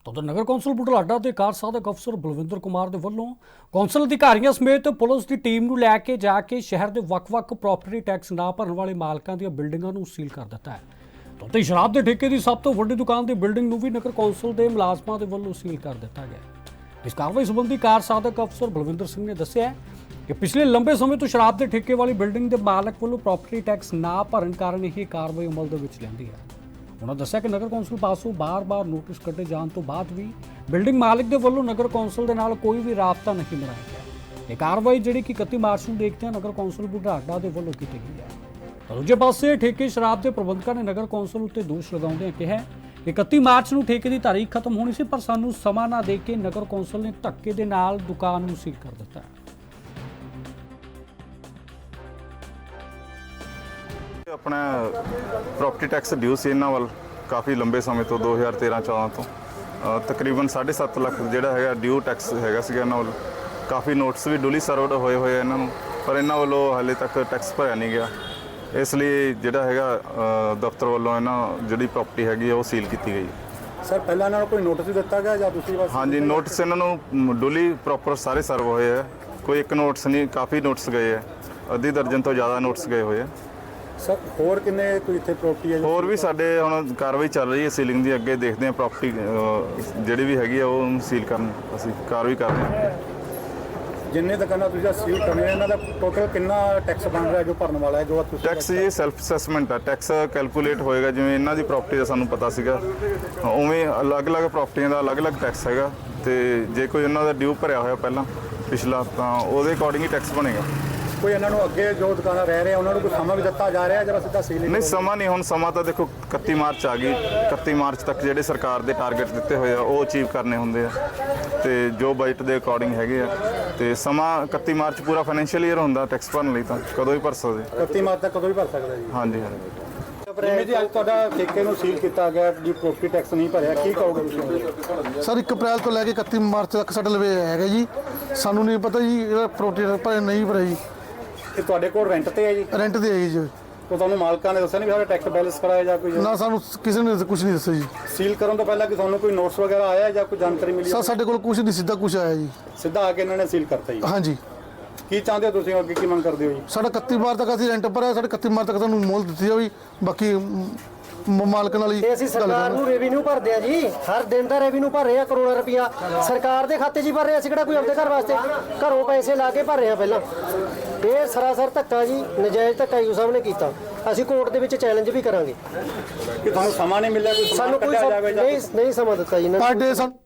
ਤਾਂ ਉਧਰ ਨਗਰ ਕੌਂਸਲ ਬੁਢਲਾਡਾ ਦੇ ਕਾਰ ਸਾਧਕ ਅਫਸਰ ਬਲਵਿੰਦਰ ਕੁਮਾਰ ਦੇ ਵੱਲੋਂ ਕੌਂਸਲ ਅਧਿਕਾਰੀਆਂ ਸਮੇਤ ਪੁਲਿਸ ਦੀ ਟੀਮ ਨੂੰ ਲੈ ਕੇ ਜਾ ਕੇ ਸ਼ਹਿਰ ਦੇ ਵੱਖ-ਵੱਖ ਪ੍ਰਾਪਰਟੀ ਟੈਕਸ ਨਾ ਭਰਨ ਵਾਲੇ ਮਾਲਕਾਂ ਦੀਆਂ ਬਿਲਡਿੰਗਾਂ ਨੂੰ ਸੀਲ ਕਰ ਦਿੱਤਾ ਹੈ। ਤਾਂ ਉੱਥੇ ਸ਼ਰਾਬ ਦੇ ਠੇਕੇ ਦੀ ਸਭ ਤੋਂ ਵੱਡੀ ਦੁਕਾਨ ਦੀ ਬਿਲਡਿੰਗ ਨੂੰ ਵੀ ਨਗਰ ਕੌਂਸਲ ਦੇ ਮੁਲਾਜ਼ਮਾਂ ਦੇ ਵੱਲੋਂ ਸੀਲ ਕਰ ਦਿੱਤਾ ਗਿਆ। ਇਸ ਕਾਰਵਾਈ ਸੰਬੰਧੀ ਕਾਰ ਸਾਧਕ ਅਫਸਰ ਬਲਵਿੰਦਰ ਸਿੰਘ ਨੇ ਦੱਸਿਆ ਕਿ ਪਿਛਲੇ ਲੰਬੇ ਸਮੇਂ ਤੋਂ ਸ਼ਰਾਬ ਦੇ ਠੇਕੇ ਵਾਲੀ ਬਿਲਡਿੰਗ ਦੇ ਮਾਲਕ ਵੱਲੋਂ ਪ੍ਰਾਪਰਟੀ ਟੈਕਸ ਨਾ ਭਰਨ ਕਾਰਨ ਇਹ ਕਾਰਵਾਈ ਅਮਲ ਦੇ ਵਿੱਚ ਲਿਆਂਦੀ ਹੈ। उन्होंने दस्सिया कि नगर कौंसल पासों बार-बार नोटिस कटे जाने तो बाद भी बिल्डिंग मालिक के वलों नगर कौंसल के नाल कोई भी राबता नहीं बनाया गया। ये कार्रवाई जिहड़ी कि 31 मार्च को देखते हैं नगर कौंसल बुढलाडा के वलों की गई है। तो दूजे पासे ठेके शराब के प्रबंधकों ने नगर कौंसल उत्ते दोष लगाउंदे कहा कि 31 मार्च को ठेके की तारीख खत्म होनी सी पर सानू समा ना दे के नगर कौंसल ने धक्के दे नाल दुकान नूं सील कर दिता है। अपना प्रॉपर्टी टैक्स ड्यू से इन्हों वाल काफ़ी लंबे समय तो 2013-14 तो तकरीबन 7.5 लाख जोड़ा है ड्यू टैक्स हैगा इन्हों वाल काफ़ी नोटिस भी डुली सर्वड होए हुए इन्हों पर इन्हों वालों हाले तक टैक्स भरया नहीं गया। इसलिए जोड़ा है दफ्तर वालों इन्हों जी प्रॉपर्टी हैगी वो सील की गई। सर पहला इन्हों कोई नोटिस दिता गया या दूसरी बार? हाँ जी नोटिस इन्हों डुली प्रॉपर सारे सर्व होए है, कोई एक नोटिस नहीं काफ़ी नोटिस गए है, अद्धी दर्जन तो ज़्यादा नोटिस गए हुए हैं। सर होर किन्ने कोई इत्थे प्रॉपर्टी है? ਹੋਰ ਵੀ ਸਾਡੇ ਹੁਣ ਕਾਰਵਾਈ ਚੱਲ ਰਹੀ ਹੈ ਸੀਲਿੰਗ ਦੀ। ਅੱਗੇ ਦੇਖਦੇ ਹਾਂ ਪ੍ਰੋਪਰਟੀ ਜਿਹੜੀ ਵੀ ਹੈਗੀ ਆ ਉਹ ਸੀਲ ਕਰਨ ਅਸੀਂ ਕਾਰਵਾਈ ਕਰ ਰਹੇ ਹਾਂ। जिन्ने दुकाना तुझे सील करने इन्हों का टोटल कितना टैक्स बन रहा है जो भरने वाला है जो तुसीं ਟੈਕਸ ਇਹ ਸੈਲਫ ਅਸੈਸਮੈਂਟ ਆ, ਟੈਕਸ ਕੈਲਕੂਲੇਟ ਹੋਏਗਾ ਜਿਵੇਂ ਇਹਨਾਂ ਦੀ ਪ੍ਰਾਪਰਟੀ ਦਾ ਸਾਨੂੰ ਪਤਾ ਸੀਗਾ ਉਵੇਂ ਅਲੱਗ-ਅਲੱਗ ਪ੍ਰਾਪਰਟੀਆਂ ਦਾ ਅਲੱਗ-ਅਲੱਗ ਟੈਕਸ ਹੈਗਾ ਤੇ ਜੇ ਕੋਈ ਉਹਨਾਂ ਦਾ ਡਿਊ ਭਰਿਆ ਹੋਇਆ ਪਹਿਲਾਂ ਪਿਛਲਾ ਤਾਂ ਉਹਦੇ ਅਕੋਰਡਿੰਗ ਹੀ ਟੈਕਸ ਬਣੇਗਾ। कोई इन्हों अगे जो दुकाना रह रहे हैं उन्होंने कोई समा भी दिता जा रहा है जब सीधा सील नहीं ਸਮਾਂ ਨਹੀਂ ਹੁਣ ਸਮਾਂ ਤਾਂ ਦੇਖੋ 31 ਮਾਰਚ ਆ ਗਈ। 31 ਮਾਰਚ ਤੱਕ ਜਿਹੜੇ ਸਰਕਾਰ ਦੇ ਟਾਰਗੇਟ ਦਿੱਤੇ ਹੋਏ ਆ ਉਹ ਅਚੀਵ ਕਰਨੇ ਹੁੰਦੇ ਆ ਤੇ ਜੋ ਬਜਟ ਦੇ ਅਕੋਰਡਿੰਗ ਹੈਗੇ ਆ ਤੇ ਸਮਾਂ 31 ਮਾਰਚ ਪੂਰਾ ਫਾਈਨੈਂਸ਼ੀਅਲ ਈਅਰ ਹੁੰਦਾ ਟੈਕਸ ਭਰਨ ਲਈ ਤਾਂ ਕਦੋਂ ਵੀ ਭਰ ਸਕਦੇ। 31 ਮਾਰਚ तक कदों भी भर सकता जी। ਹਾਂਜੀ ਹਾਂਜੀ ਜਿਵੇਂ ਜੀ ਅੱਜ ਤੁਹਾਡਾ ਠੇਕੇ ਨੂੰ ਸੀਲ ਕੀਤਾ ਗਿਆ ਜੀ ਪ੍ਰੋਪਰਟੀ ਟੈਕਸ ਨਹੀਂ ਭਰਿਆ ਕੀ ਕਹੋਗੇ ਤੁਸੀਂ? ਸਰ 1 ਅਪ੍ਰੈਲ ਤੋਂ ਲੈ ਕੇ 31 ਮਾਰਚ ਤੱਕ ਸਾਡੇ ਲਵੇ ਹੈਗਾ ਜੀ। ਸਾਨੂੰ ਨਹੀਂ ਪਤਾ ਜੀ ਇਹਦਾ ਪ੍ਰੋਪਰਟੀ ਭਰਿਆ ਨਹੀਂ ਭਰਿਆ ਜੀ। ਇਹ ਤੁਹਾਡੇ ਕੋਲ ਰੈਂਟ ਤੇ ਹੈ ਜੀ? ਰੈਂਟ ਤੇ ਹੈ ਜੀ। ਉਹ ਤੁਹਾਨੂੰ ਮਾਲਕਾਂ ਨੇ ਦੱਸਿਆ ਨਹੀਂ ਵੀ ਸਾਡਾ ਟੈਕਸ ਬੈਲੈਂਸ ਕਰਾਇਆ ਜਾਂ ਕੋਈ? ਨਾ ਸਾਨੂੰ ਕਿਸੇ ਨੇ ਕੁਝ ਨਹੀਂ ਦੱਸਿਆ ਜੀ। ਸੀਲ ਕਰਨ ਤੋਂ ਪਹਿਲਾਂ ਕਿ ਤੁਹਾਨੂੰ ਕੋਈ ਨੋਟਿਸ ਵਗੈਰਾ ਆਇਆ ਜਾਂ ਕੋਈ ਜਾਣਕਾਰੀ ਮਿਲੀ? ਸਰ ਸਾਡੇ ਕੋਲ ਕੁਝ ਨਹੀਂ, ਸਿੱਧਾ ਕੁਝ ਆਇਆ ਜੀ। ਸਿੱਧਾ ਆ ਕੇ ਇਹਨਾਂ ਨੇ ਸੀਲ ਕਰਤਾ ਜੀ? ਹਾਂਜੀ। ਕੀ ਚਾਹੁੰਦੇ ਹੋ ਤੁਸੀਂ ਅੱਗੇ ਕੀ ਮੰਗ ਕਰਦੇ ਹੋ ਜੀ? ਸਾਡਾ 31 ਮਾਰਚ ਤੱਕ ਅਸੀਂ ਰੈਂਟ ਭਰਿਆ, ਸਾਡੇ 31 ਮਾਰਚ ਤੱਕ ਤੁਹਾਨੂੰ ਮੋਹਲਤ ਦਿੱਤੀ ਜਾਵੇ। ਬਾਕੀ ਮਾਲਕ ਨਾਲ ਹੀ ਤੇ ਅਸੀਂ ਸਰਕਾਰ ਨੂੰ ਰੈਵਨਿਊ ਭਰਦੇ ਆ ਜੀ, ਹਰ ਦਿਨ ਦਾ ਰੈਵਨਿਊ ਭਰ ਰਹੇ ਆ ਕਰੋੜਾਂ ਰੁਪਇਆ ਸਰਕਾਰ ਦੇ ਖਾਤੇ 'ਚ ਹੀ ਭਰ ਰਹੇ ਆ। ਅਸੀਂ ਕਿਹੜਾ ਕੋਈ ਆਪਣੇ ਘਰ ਵਾਸਤੇ ਘਰੋਂ ਪੈਸੇ ਲਾ ਕੇ ਭਰ ਰਹੇ ਆ ਪਹਿਲਾਂ। ਇਹ ਸਰਾਸਰ ਧੱਕਾ ਜੀ, ਨਜਾਇਜ਼ ਧੱਕਾ ਯੂ ਸਾਹਿਬ ਨੇ ਕੀਤਾ। ਅਸੀਂ ਕੋਰਟ ਦੇ ਵਿੱਚ ਚੈਲੰਜ ਵੀ ਕਰਾਂਗੇ ਕਿ ਤੁਹਾਨੂੰ ਸਮਾਂ ਨਹੀਂ ਮਿਲਿਆ ਕੋਈ ਸਾਨੂੰ ਕੋਈ ਨਹੀਂ ਸਮਾਂ ਦਿੱਤਾ ਜੀ ਇਹਨਾਂ ਨੇ। ਪਰ ਡੇ